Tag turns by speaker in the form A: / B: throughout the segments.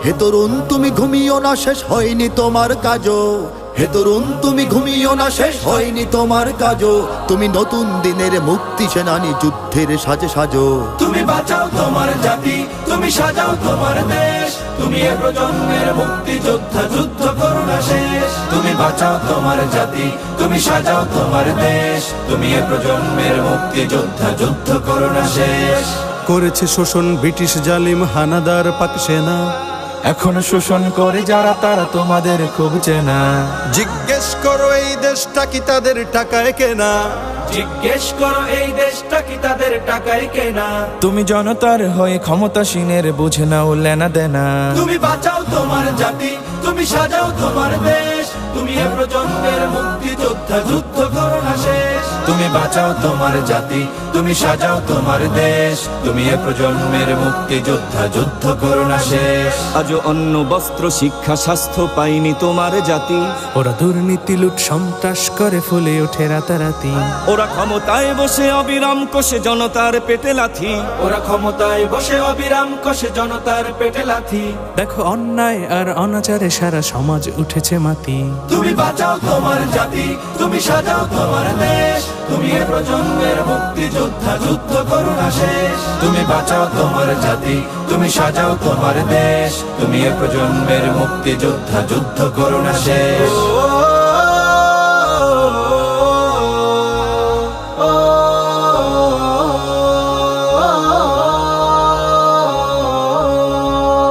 A: হে তরুণ তুমি ঘুমিও না, শেষ হয়নি তোমার কাজও। হে তরুণ তুমি ঘুমিও না, শেষ হয়নি তোমার কাজও। তুমি নতুন দিনের মুক্তি সেনানী, যুদ্ধের সাজে সাজো।
B: তুমি বাঁচাও তোমার জাতি, তুমি সাজাও তোমার দেশ। তুমি এ প্রজন্মের মুক্তি যোদ্ধা, যুদ্ধ করো না শেষ। তুমি বাঁচাও তোমার জাতি, তুমি সাজাও তোমার দেশ। তুমি এ প্রজন্মের মুক্তি যোদ্ধা, যুদ্ধ করো না শেষ।
C: করেছে শোষণ ব্রিটিশ জালিম হানাদার পাক সেনা,
B: এখন শোষণ করে যারা তারা তোমাদের খুব চেনা।
C: জিজ্ঞেস করো এই দেশটা কি তাদের টাকায় কেনা।
B: জিজ্ঞেস করো এই দেশটা কি তাদের টাকায় কেনা। তুমি জনতার হয়ে ক্ষমতাসীনের বুঝে নাও লেনা দেনা। তুমি বাঁচাও তোমার জাতি, তুমি সাজাও তোমার দেশ। তুমি এ প্রজন্মের মুক্তি যোদ্ধা, যুদ্ধ করো না শেষ। তুমি বাঁচাও তোমার জাতি, তুমি সাজাও তোমার দেশ। তুমি এ প্রজন্মের মুক্তি যোদ্ধা, যুদ্ধ করো না শেষ।
D: আজও অন্ন বস্ত্র শিক্ষা স্বাস্থ্য পাইনি তোমার জাতি।
E: ওরা দুর্নীতি লুট সন্ত্রাস করে ফুলে ওঠে রাতারাতি।
D: ওরা ক্ষমতায় বসে অবিরাম কষে জনতার পেটে লাথি।
B: ওরা ক্ষমতায় বসে অবিরাম কষে জনতার পেটে লাথি।
E: দেখো অন্যায় আর অনাচারে সারা সমাজ উঠেছে মাতি।
B: তুমি বাঁচাও তোমার জাতি, তুমি সাজাও তোমার দেশ। তুমি এ প্রজন্মের মুক্তি যোদ্ধা, যুদ্ধ করো না শেষ। তুমি বাঁচাও তোমার জাতি, তুমি সাজাও তোমার দেশ। তুমি এ প্রজন্মের মুক্তি যোদ্ধা, যুদ্ধ করো না শেষ।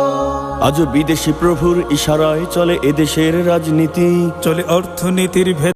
D: আজও বিদেশি প্রভুর ইশারায় চলে এদেশের রাজনীতি।
E: চলে অর্থনীতির